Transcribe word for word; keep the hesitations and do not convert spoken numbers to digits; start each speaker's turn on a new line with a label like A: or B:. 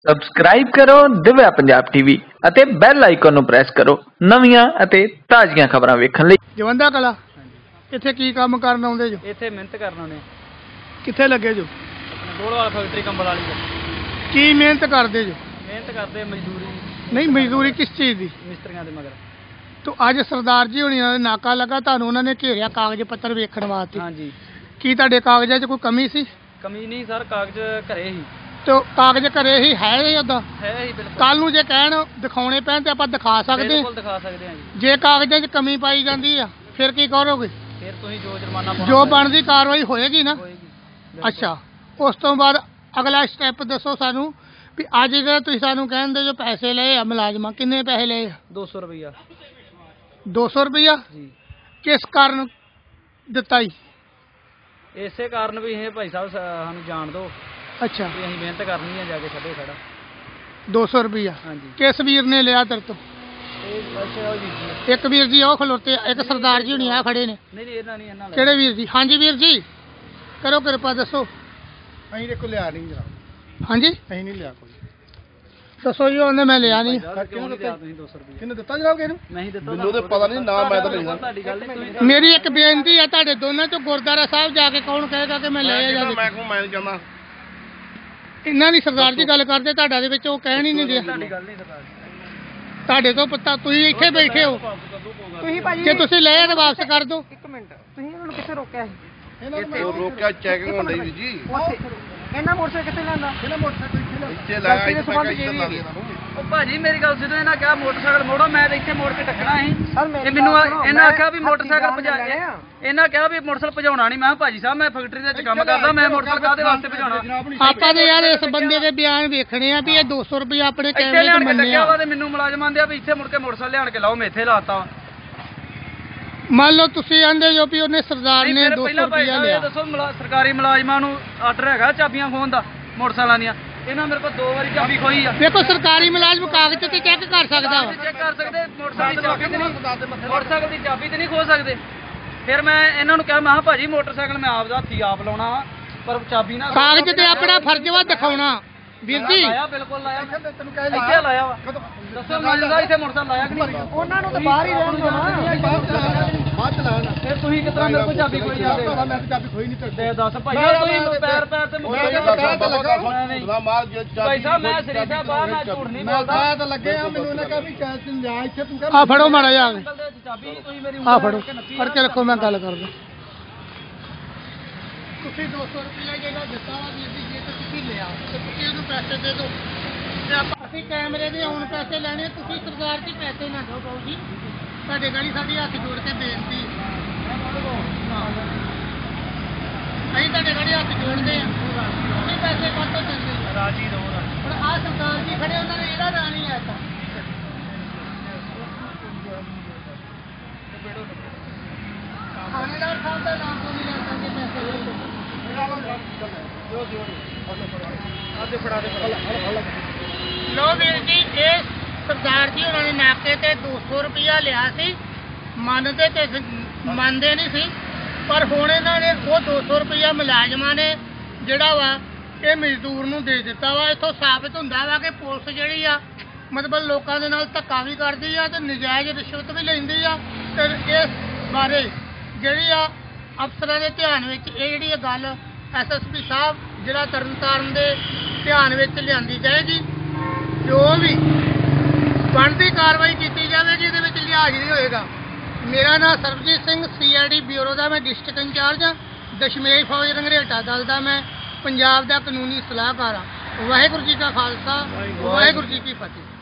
A: Subscribe ਕਰੋ Divya Punjab TV ਅਤੇ bell icon ਨੂੰ ਪ੍ਰੈਸ ਕਰੋ ਨਵੀਆਂ ਅਤੇ ਤਾਜ਼ੀਆਂ ਖਬਰਾਂ ਵੇਖਣ ਲਈ।
B: ਜਵੰਦਾ ਕਲਾ ਇੱਥੇ ਕੀ ਕੰਮ ਕਰਨ ਆਉਂਦੇ ਜੋ?
C: ਇੱਥੇ ਮਿਹਨਤ ਕਰਨ ਆਉਂਦੇ।
B: ਕਿੱਥੇ ਲੱਗੇ ਜੋ?
C: ਗੋਲਵਾਲ ਫੈਕਟਰੀ ਕੰਬਲ ਵਾਲੀ ਦਾ।
B: ਕੀ ਮਿਹਨਤ ਕਰਦੇ ਜੋ?
C: ਮਿਹਨਤ ਕਰਦੇ ਮਜ਼ਦੂਰੀ।
B: ਨਹੀਂ, ਮਜ਼ਦੂਰੀ ਕਿਸ ਚੀਜ਼ ਦੀ?
C: ਮਿਸਤਰੀਆਂ ਦੇ ਮਗਰ। ਤੋ
B: ਅੱਜ ਸਰਦਾਰ ਜੀ ਹੋਣੀ ਦਾ ਨਾਕਾ ਲੱਗਾ, ਤੁਹਾਨੂੰ ਉਹਨਾਂ ਨੇ ਘੇਰਿਆ ਕਾਗਜ਼ ਪੱਤਰ ਵੇਖਣ ਵਾਸਤੇ।
C: ਹਾਂਜੀ। ਕੀ
B: ਤੁਹਾਡੇ ਕਾਗਜ਼ਾਂ 'ਚ ਕੋਈ ਕਮੀ ਸੀ?
C: ਕਮੀ ਨਹੀਂ ਸਰ, ਕਾਗਜ਼ ਘਰੇ ਹੀ।
B: ਤੇ ਕਾਗਜ਼ ਘਰੇ ਹੀ ਹੈ ਹੀ ਉਦਾਂ
C: ਹੈ ਹੀ ਬਿਲਕੁਲ।
B: ਕੱਲ ਨੂੰ ਜੇ ਕਹਿਣ ਦਿਖਾਉਣੇ ਪੈਣ ਤੇ ਆਪਾਂ ਦਿਖਾ ਸਕਦੇ ਹਾਂ।
C: ਬਿਲਕੁਲ ਦਿਖਾ ਸਕਦੇ ਹਾਂ ਜੀ।
B: ਜੇ ਕਾਗਜ਼ਾਂ 'ਚ ਕਮੀ ਪਾਈ ਜਾਂਦੀ ਆ ਫਿਰ ਕੀ ਕਰੋਗੇ?
C: ਫਿਰ ਤੁਸੀਂ ਜੋ ਜੁਰਮਾਨਾ ਪਾਉਣਾ
B: ਜੋ ਬਣਦੀ ਕਾਰਵਾਈ ਹੋਏਗੀ ਨਾ।
C: ਹੋਏਗੀ।
B: ਅੱਛਾ, ਉਸ ਤੋਂ ਬਾਅਦ ਅਗਲਾ ਸਟੈਪ ਦੱਸੋ ਸਾਨੂੰ ਵੀ ਅੱਜ ਜਿਹੜੇ ਤੁਸੀਂ ਸਾਨੂੰ ਕਹਿੰਦੇ ਜੋ ਪੈਸੇ ਲਏ ਆ ਮੁਲਾਜ਼ਮਾਂ, ਕਿੰਨੇ ਪੈਸੇ ਲਏ ਆ?
C: ਦੋ ਸੌ ਰੁਪਈਆ।
B: ਦੋ ਸੌ ਰੁਪਈਆ
C: ਜੀ।
B: ਕਿਸ ਕਾਰਨ ਦਿੱਤਾ ਜੀ?
C: ਇਸੇ ਕਾਰਨ ਵੀ ਇਹ ਭਾਈ ਸਾਹਿਬ ਸਾਨੂੰ ਜਾਣ ਦਿਓ।
B: ਅੱਛਾ,
C: ਵੀ ਅਸੀਂ ਮਿਹਨਤ ਕਰਨੀ ਆ ਜਾ ਕੇ ਛੱਡੇ ਖੜਾ।
B: ਦੋ ਸੌ ਰੁਪਈਆ
C: ਹਾਂਜੀ।
B: ਕਿਸ ਵੀਰ ਨੇ ਲਿਆ ਤੇਰੇ ਤੋਂ?
C: ਇਹ ਅੱਛਾ ਉਹ ਵੀਰ ਜੀ।
B: ਇੱਕ ਵੀਰ ਜੀ ਉਹ ਖਲੋਤੇ, ਇੱਕ ਸਰਦਾਰ ਜੀ ਹੁਣੀ ਆ ਖੜੇ ਨੇ।
C: ਨਹੀਂ ਨਹੀਂ ਇਹਨਾਂ ਨਹੀਂ ਇਹਨਾਂ ਨਾਲ।
B: ਕਿਹੜੇ ਵੀਰ ਜੀ? ਹਾਂਜੀ ਵੀਰ ਜੀ ਕਰੋ ਕਿਰਪਾ ਦੱਸੋ।
D: ਅਸੀਂ ਦੇਖੋ ਲਿਆ ਨਹੀਂ ਜਨਾਬ।
B: ਹਾਂਜੀ,
D: ਅਸੀਂ ਨਹੀਂ ਲਿਆ ਕੋਈ।
B: ਦੱਸੋ ਜੀ। ਉਹਨੇ ਮੈਂ ਲਿਆ ਨਹੀਂ।
C: ਕਿਉਂ ਨਹੀਂ ਲਿਆ ਤੁਸੀਂ ਦੋ ਸੌ ਰੁਪਈਆ?
D: ਕਿਹਨੇ ਦਿੱਤਾ ਜਨਾਬ ਕਿਸੇ ਨੂੰ?
C: ਮੈਂ ਹੀ ਦਿੱਤਾ।
D: ਮੈਨੂੰ ਤੇ ਪਤਾ ਨਹੀਂ ਨਾ, ਮੈਂ ਤਾਂ ਨਹੀਂ ਦਿੱਤਾ।
C: ਤੁਹਾਡੀ ਗੱਲ ਨਹੀਂ। ਤੁਸੀਂ
B: ਮੇਰੀ ਇੱਕ ਬੇਨਤੀ ਹੈ ਤੁਹਾਡੇ ਦੋਨਾਂ ਚੋਂ, ਗੁਰਦੁਆਰਾ ਸਾਹਿਬ ਜਾ ਕੇ ਕੌਣ ਕਹੇਗਾ ਕਿ ਮੈਂ ਲਿਆ ਜਾਂ
D: ਮੈਂ ਕਹੂੰ ਮੈਂ ਨਹੀਂ ਜਾਂਦਾ।
B: ਇਹਨਾਂ ਦੀ ਸਰਦਾਰ ਜੀ ਗੱਲ ਕਰਦੇ, ਤੁਹਾਡਾ ਦੇ ਵਿੱਚ ਉਹ ਕਹਿਣ ਹੀ ਨਹੀਂ ਦਿਆ।
C: ਤੁਹਾਡੀ ਗੱਲ ਨਹੀਂ ਸਰਦਾਰ।
B: ਤੁਹਾਡੇ ਤੋਂ ਪਤਾ, ਤੁਸੀਂ ਇੱਥੇ ਬੈਠੇ ਹੋ।
E: ਤੁਸੀਂ ਭਾਜੀ
B: ਜੇ ਤੁਸੀਂ ਲਏ ਤਾਂ ਵਾਪਸ ਕਰ ਦਿਓ।
E: ਇੱਕ ਮਿੰਟ, ਤੁਸੀਂ ਇਹਨਾਂ ਨੂੰ ਕਿੱਥੇ ਰੋਕਿਆ ਸੀ?
D: ਉਹ ਰੋਕਿਆ ਚੈਕਿੰਗ ਹੁੰਦੀ ਵੀ ਜੀ।
E: ਉੱਥੇ ਇਹਨਾਂ ਮੋਟਰਸਾਈਕਲ ਕਿੱਥੇ ਲੈਂਦਾ?
D: ਕਿਹੜਾ ਮੋਟਰਸਾਈਕਲ ਇੱਥੇ ਲਾਇਆ? ਇੱਥੇ ਮੈਂ ਕਿਹਾ ਇੱਥੇ ਲਾ ਦੇ ਇਹਨਾਂ ਨੂੰ।
C: ਉਹ ਭਾਜੀ ਮੇਰੀ ਗੱਲ ਸੁਣੋ, ਇਹਨਾਂ ਕਿਹਾ ਮੋਟਰਸਾਈਕਲ ਮੋੜੋ, ਮੈਂ ਤਾਂ ਇੱਥੇ ਮੋੜ ਕੇ ਟੱਕਣਾ ਸੀ।
E: ਸਰ ਮੇਰੀ
C: ਇਹ ਮੈਨੂੰ
E: ਗੱਲ ਸੁਣੋ,
C: ਇਹਨਾਂ
E: ਮੈਂ
C: ਆਖਿਆ ਵੀ ਮੋਟਰਸਾਈਕਲ
E: ਹੱਥੀਂ
C: ਭਜਾ
E: ਜਾਣ ਲੱਗਾ।
C: ਇਹਨਾਂ ਕਿਹਾ ਵੀ ਮੋਟਰਸਾਈਕਲ ਭਜਾਉਣਾ ਨਹੀਂ। ਮੈਂ ਕਿਹਾ ਭਾਜੀ ਸਾਹਿਬ ਮੈਂ ਫੈਕਟਰੀ ਦੇ ਵਿੱਚ ਕੰਮ ਕਰਦਾ, ਮੈਂ ਮੋਟਰਸਾਈਕਲ ਕਾਹਦੇ ਵਾਸਤੇ ਭਜਾਉਣਾ?
B: ਆਪਾਂ ਨੇ ਯਾਰ ਇਸ ਬੰਦੇ ਦੇ ਬਿਆਨ ਵੇਖਣੇ ਆ ਵੀ ਇਹ ਦੋ ਸੌ ਰੁਪਇਆ ਆਪਣੇ
C: ਇੱਥੇ
B: ਕੈਮਰੇ
C: ਲਿਆਣ
B: ਤੋਂ
C: ਕੇ
B: ਮੰਨਿਆ।
C: ਟੱਕਿਆ ਵਾ ਤੇ ਮੈਨੂੰ ਮੁਲਾਜ਼ਮ ਆਂਦੇ ਆ ਵੀ ਇੱਥੇ ਮੁੜ ਕੇ ਮੋਟਰਸਾਈਕਲ ਲਿਆਣ ਕੇ ਲਾਓ, ਮੈਂ ਇੱਥੇ ਲਾਤਾ ਵਾ।
B: ਮੰਨ ਲਓ ਤੁਸੀਂ ਆਂਦੇ ਜੋ ਵੀ ਉਹਨੇ ਸਰਦਾਰ ਨੇ ਦੋ ਸੌ
C: ਪਹਿਲਾਂ ਭਾਈ
B: ਰੁਪਇਆ
C: ਸਾਹਿਬ
B: ਲਿਆ।
C: ਇਹ ਦੱਸੋ ਮੁਲਾ- ਸਰਕਾਰੀ ਮੁਲਾਜ਼ਮਾਂ ਨੂੰ ਆਰਡਰ ਹੈਗਾ ਚਾਬੀਆਂ ਖੋਹਣ ਦਾ ਮੋਟਰਸਾਈਕਲਾਂ ਦੀਆਂ? ਇਹਨਾਂ ਮੇਰੇ ਕੋਲ ਦੋ ਵਾਰੀ ਚਾਬੀ ਖੋਈ ਆ।
B: ਦੇਖੋ ਸਰਕਾਰੀ ਮੁਲਾਜ਼ਮ ਕਾਗਜ਼ ਤੇ ਚੈੱਕ ਕਰ ਸਕਦਾ ਵਾ।
C: ਚੈੱਕ ਕਰ ਸਕਦੇ, ਮੋਟਰਸਾਈਕਲ ਦੀ ਚਾਬੀ ਤੇ ਨਹੀਂ ਮੋਟਰਸਾਈਕਲ ਦੀ ਚਾਬੀ ਤੇ ਨਹੀਂ ਖੋ ਸਕਦੇ। ਫਿਰ ਮੈਂ ਇਹਨਾਂ ਨੂੰ ਕਿਹਾ, ਮੈਂ ਕਿਹਾ ਭਾਜੀ ਮੋਟਰਸਾਈਕਲ ਮੈਂ ਆਪ ਦਾ ਹੱਥੀ ਆਪ ਲਾਉਣਾ ਵਾ, ਪਰ ਚਾਬੀ ਨਾ
B: ਕਾਗਜ਼ ਤੇ ਆਪਣਾ ਫਰਜ਼ ਵਾ ਦਿਖਾਉਣਾ। ਵੀਰ ਜੀ
C: ਲਾਇਆ, ਬਿਲਕੁਲ ਲਾਇਆ। ਇੱਥੇ ਲਾਇਆ ਵਾ। ਦੱਸੋ ਮੈਨੂੰ ਦਾ ਇੱਥੇ ਮੋਟਰਸਾਈਕਲ ਲਾਇਆ ਕਿ ਨਹੀਂ?
E: ਉਹਨਾਂ ਨੂੰ ਤਾਂ ਬਾਹਰ ਹੀ ਰਹਿਣ ਦਿਓ ਨਾ।
D: ਬਾਅਦ ਚ ਲਾਣਾ।
C: ਫਿਰ ਤੁਸੀਂ ਕਿਤਨਾ ਮੇਰੇ ਕੋਲ ਚਾਬੀ ਖੋਈ ਜਾਂਦੇ?
D: ਮੈਂ ਤਾਂ ਚਾਬੀ ਖੋਈ ਨਹੀਂ ਤੇ
C: ਦੇ ਦੱਸ ਭਾਈ ਤੁਸੀਂ ਪੈਰ ਪੈਰ ਤੇ
D: ਮੈਂ ਤਾਂ ਕਹਿ ਤਾਂ ਲੱਗਾ ਉਹਦਾ ਮਾਲ ਜੇ
C: ਭਾਈ ਸਾਹਿਬ ਮੈਂ ਸ੍ਰੀ ਸਾਹਿਬ ਬਾਹਰ ਮੈਂ ਝੂਠ ਨਹੀਂ
D: ਮੈਂ
C: ਬੋਲਦਾ।
D: ਕਹਿ ਤਾਂ ਲੱਗੇ ਆ, ਮੈਨੂੰ ਇਹਨਾਂ ਕਿਹਾ ਵੀ ਚਾਹ ਤੂੰ ਲਿਆ ਇੱਥੇ ਤੂੰ
B: ਆ ਫੜੋ ਮਾੜਾ ਜਿਹਾ
C: ਚਾਬੀ ਤੁਸੀਂ ਮੇਰੀ
B: ਆ ਫੜੋ, ਫੜ ਕੇ ਰੱਖੋ, ਮੈਂ ਗੱਲ ਕਰਦਾ। ਤੁਸੀਂ ਦੋ ਸੌ ਰੁਪਇਆ ਜਿਹੜਾ ਦਿੱਤਾ ਵਾ ਵੀਰ ਜੀ, ਜੇ ਤਾਂ ਤੁਸੀਂ ਲਿਆ ਤੇ ਤੁਸੀਂ ਉਹਨੂੰ ਪੈਸੇ ਦੇ ਦਿਓ ਤੇ ਆਪਾਂ ਅਸੀਂ ਕੈਮਰੇ ਦੇ ਹੁਣ ਪੈਸੇ ਲੈਣੇ। ਤੁਸੀਂ ਸਰਕਾਰ ਜੀ ਪੈਸੇ ਨਾ ਦਿਓ ਬਾਊ ਜੀ, ਤੁਹਾਡੇ ਗਾੜੀ ਸਾਡੀ ਹੱਥ ਜੋੜ ਕੇ ਬੇਨਤੀ। ਅਸੀਂ ਤੁਹਾਡੇ ਗਾੜੀ ਹੱਥ ਜੋੜਦੇ ਆ, ਤੁਸੀਂ ਪੈਸੇ ਕਾਹਤੋਂ ਦਿੰਦੇ?
C: ਰਾਜੀ ਰਹੋ।
B: ਹੁਣ ਆਹ ਸਰਦਾਰ ਜੀ ਖੜੇ, ਉਹਨਾਂ ਨੇ ਇਹਦਾ ਨਾਂ ਨਹੀਂ ਲੈਤਾ। ਥਾਣੇਦਾਰ ਸਾਹਿਬ ਦਾ ਨਾਮ ਤੋਂ ਨਹੀਂ ਲੈਤਾ ਕਿ ਪੈਸੇ ਦੇ ਦਿਓ। ਲੋ ਵੀਰ ਜੀ, ਇਹ ਸਰਦਾਰ ਜੀ ਉਹਨਾਂ ਨੇ ਨਾਕੇ ਤੇ ਦੋ ਸੌ ਰੁਪਇਆ ਲਿਆ ਸੀ। ਮੰਨਦੇ ਤੇ ਮੰਨਦੇ ਨਹੀਂ ਸੀ, ਪਰ ਹੁਣ ਇਹਨਾਂ ਨੇ ਉਹ ਦੋ ਸੌ ਰੁਪਇਆ ਮੁਲਾਜ਼ਮਾਂ ਨੇ ਜਿਹੜਾ ਵਾ ਇਹ ਮਜ਼ਦੂਰ ਨੂੰ ਦੇ ਦਿੱਤਾ ਵਾ। ਇੱਥੋਂ ਸਾਬਿਤ ਹੁੰਦਾ ਵਾ ਕਿ ਪੁਲਿਸ ਜਿਹੜੀ ਆ ਮਤਲਬ ਲੋਕਾਂ ਦੇ ਨਾਲ ਧੱਕਾ ਵੀ ਕਰਦੀ ਆ ਤੇ ਨਜਾਇਜ਼ ਰਿਸ਼ਵਤ ਵੀ ਲੈਂਦੀ ਆ। ਤੇ ਇਸ ਬਾਰੇ ਜਿਹੜੀ ਆ ਅਫਸਰਾਂ ਦੇ ਧਿਆਨ ਵਿੱਚ ਇਹ ਜਿਹੜੀ ਇਹ ਗੱਲ ਐਸ ਐਸ ਪੀ ਸਾਹਿਬ ਜ਼ਿਲ੍ਹਾ ਤਰਨਤਾਰਨ ਦੇ ਧਿਆਨ ਵਿੱਚ ਲਿਆਂਦੀ ਜਾਏਗੀ। ਜੋ ਵੀ ਬਣਦੀ ਕਾਰਵਾਈ ਕੀਤੀ ਜਾਵੇਗੀ, ਇਹਦੇ ਵਿੱਚ ਲਿਹਾਜ਼ ਨਹੀਂ ਹੋਏਗਾ। ਮੇਰਾ ਨਾਮ Sarabjit Singh, C I D bureau ਦਾ ਮੈਂ ਡਿਸਟ੍ਰਿਕਟ ਇੰਚਾਰਜ ਹਾਂ। ਦਸ਼ਮੇਸ਼ ਫੌਜ ਰੰਘਰੇਟਾ ਦਲ ਦਾ ਮੈਂ ਪੰਜਾਬ ਦਾ ਕਾਨੂੰਨੀ ਸਲਾਹਕਾਰ ਹਾਂ। ਵਾਹਿਗੁਰੂ ਜੀ ਕਾ ਖਾਲਸਾ, ਵਾਹਿਗੁਰੂ ਜੀ ਕੀ ਫਤਿਹ।